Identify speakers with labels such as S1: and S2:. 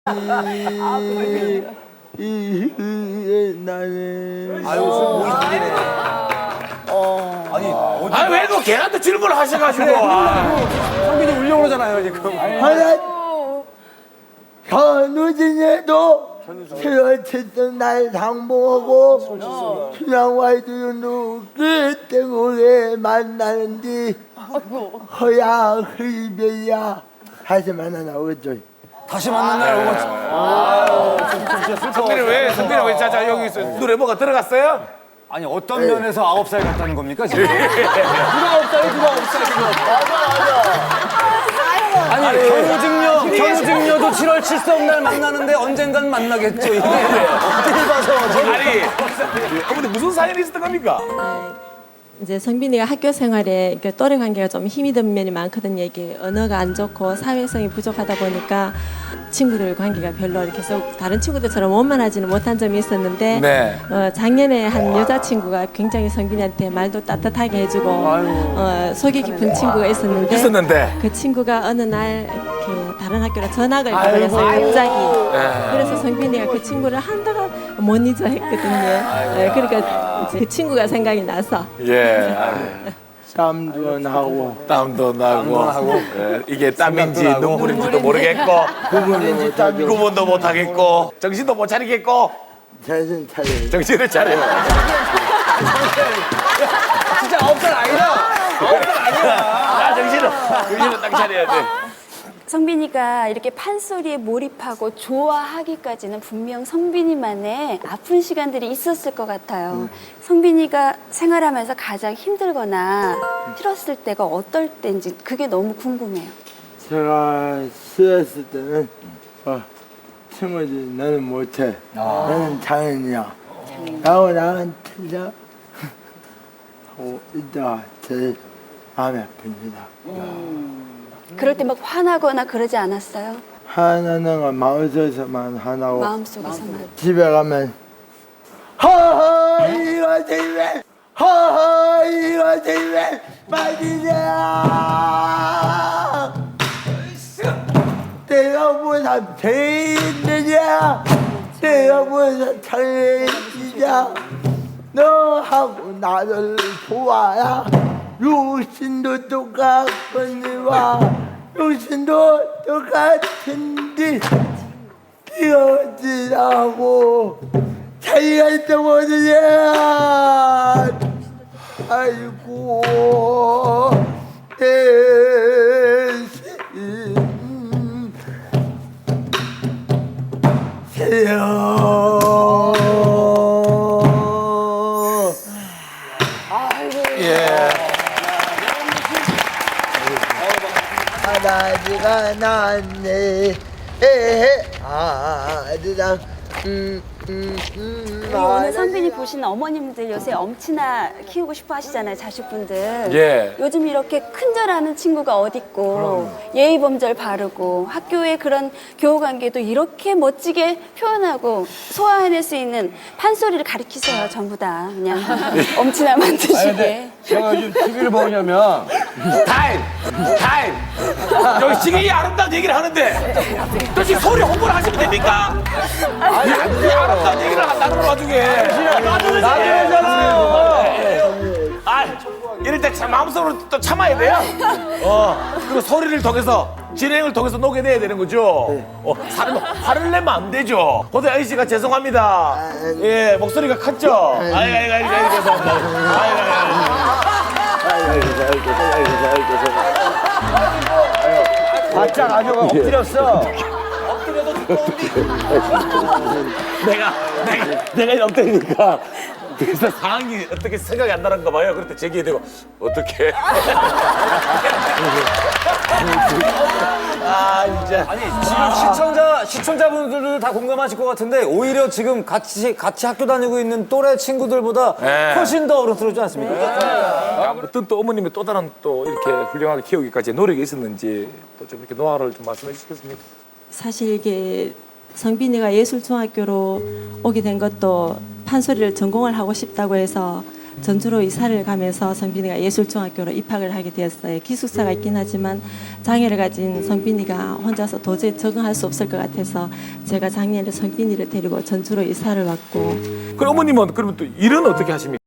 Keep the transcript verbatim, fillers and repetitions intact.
S1: 이, 이, 이, 나는
S2: 아유, 목이 들리네. 아니, 어디
S3: 아니 왜 또 걔한테 질문을 하셔가지고. 아.
S2: 성빈이 울려고 그러잖아요, 지금.
S1: 하나 현우진에도 헤어쳤던 날 상봉하고 춘향와이도 누구 때문에 만나는지 허야 흡이야 다시 만나나 오겠죠.
S2: 다시 만난 날 오고. 아유, 좀, 좀 진짜 슬퍼.
S3: 성빈이 왜 성빈이 왜 자자 여기 있어? 노래 뭐가 들어갔어요?
S2: 아니, 어떤 면에서 아홉 살 같다는 겁니까, 지금?
S1: 누가 없어요? 누가 없어요? 지금
S2: 아니, 견우직녀, 견우직녀도 칠월 칠섭 날 만나는데 언젠간 만나겠죠, 이게. 어딜 봐서. 저는.
S3: 아니 어머니 무슨 사연이 있었던 겁니까?
S4: 이제 성빈이가 학교 생활에 그 또래 관계가 좀 힘이 든 면이 많거든요. 이게 언어가 안 좋고 사회성이 부족하다 보니까 친구들 관계가 별로 이렇게 썩 다른 친구들처럼 원만하지는 못한 점이 있었는데
S3: 네.
S4: 어, 작년에 한 여자친구가 굉장히 성빈이한테 말도 따뜻하게 해주고 어, 속이 깊은 친구가 있었는데
S3: 있었는데.
S4: 그 친구가 어느 날 이렇게 다른 학교로 전학을 가버렸어요. 갑자기.
S3: 네.
S4: 그래서 성빈이가 그 친구를 한동안 못 잊어 했거든요. 네, 그러니까 이제 그 친구가 생각이 나서
S3: 예.
S1: 땀도 나고
S3: 땀도 나고.
S2: 땀도 나고.
S3: 예, 이게 땀인지
S2: 나고.
S3: 눈물인지도 모르겠고
S1: 구분인지 땀이
S3: 구분도 못 하겠고 정신도 못 차리겠고
S1: 정신 차려.
S3: 정신을 차려.
S2: 진짜 아홉 살 아니다. 아홉 살 아니야.
S3: 아 정신을 정신을 딱 차려야 돼.
S5: 성빈이가 이렇게 판소리에 몰입하고 좋아하기까지는 분명 성빈이만의 아픈 시간들이 있었을 것 같아요. 성빈이가 생활하면서 가장 힘들거나 싫었을 때가 어떨 때인지 그게 너무 궁금해요.
S1: 제가 싫었을 때는 어, 친구들이 너는 못해. 너는 장인이야. 라고 나는 틀려. 하고 이따가 제일 마음이 아픕니다.
S5: 그럴 때 막 화나거나 그러지 않았어요?
S1: 하나는 건 마음속에서만 하나고
S5: 마음속에서만.
S1: 집에 가면 허허 이거 집에 허허 이거 집에 빠지냐 내가 뭐다 베이느냐 내가 뭐다 잘해지냐 너하고 나를 보아야 육신도 똑같거니와 육신도 똑같은데 뛰어지라고 자기가 있다 보느냐 아이고 대신 세요
S3: 예.
S1: 아다지가 났네 에헤 아드랑 음, 음, 음,
S5: 그리고 오늘 성빈이 보시는 어머님들 요새 엄친아 키우고 싶어 하시잖아요, 자식분들.
S3: 예.
S5: 요즘 이렇게 큰절하는 친구가 어딨고 예의범절 바르고 학교의 그런 교우관계도 이렇게 멋지게 표현하고 소화해낼 수 있는 판소리를 가르치세요, 전부 다. 그냥 엄친아 만드시게.
S6: 제가 요즘 티비를 보냐면
S3: 타임! 타임! 여기 지금 이 아름다운 얘기를 하는데 또 지금 소리 홍보를 하시면 됩니까? 아니 안 돼요. 아름다운 얘기를 한다는 걸 와중에 나중에잖아요. 아 이럴 때 참 마음속으로 또 참아야 돼요. 어 그리고 소리를 통해서 진행을 통해서 녹여내야 되는 거죠. 어 사람 화를 내면 안 되죠. 고대 아저씨가 죄송합니다. 예 목소리가 컸죠. 아이고 아이고 아이고 아이고 죄송합니다. 아이고 아이고.
S6: 바짝 아주 엎드렸어.
S3: 내가 내가 내가 엎드리니까 그래서 상황이 어떻게 생각이 안 나는가 봐요. 그럴 때 제기해 되고 어떻게? 아 진짜.
S2: 아니, 지금 시청자, 시청자분들도 다 공감하실 것 같은데, 오히려 지금 같이, 같이 학교 다니고 있는 또래 친구들보다
S3: 네.
S2: 훨씬 더 어른스럽지 않습니까?
S3: 어떤 또 어머님이 또 다른 또 이렇게 훌륭하게 키우기까지 노력이 있었는지 또 좀 이렇게 노하우를 좀 말씀해 주시겠습니까?
S4: 사실 이게 성빈이가 예술중학교로 오게 된 것도 판소리를 전공을 하고 싶다고 해서 전주로 이사를 가면서 성빈이가 예술중학교로 입학을 하게 되었어요. 기숙사가 있긴 하지만 장애를 가진 성빈이가 혼자서 도저히 적응할 수 없을 것 같아서 제가 작년에 성빈이를 데리고 전주로 이사를 왔고
S3: 그럼 어머님은 그러면 또 일은 어떻게 하십니까?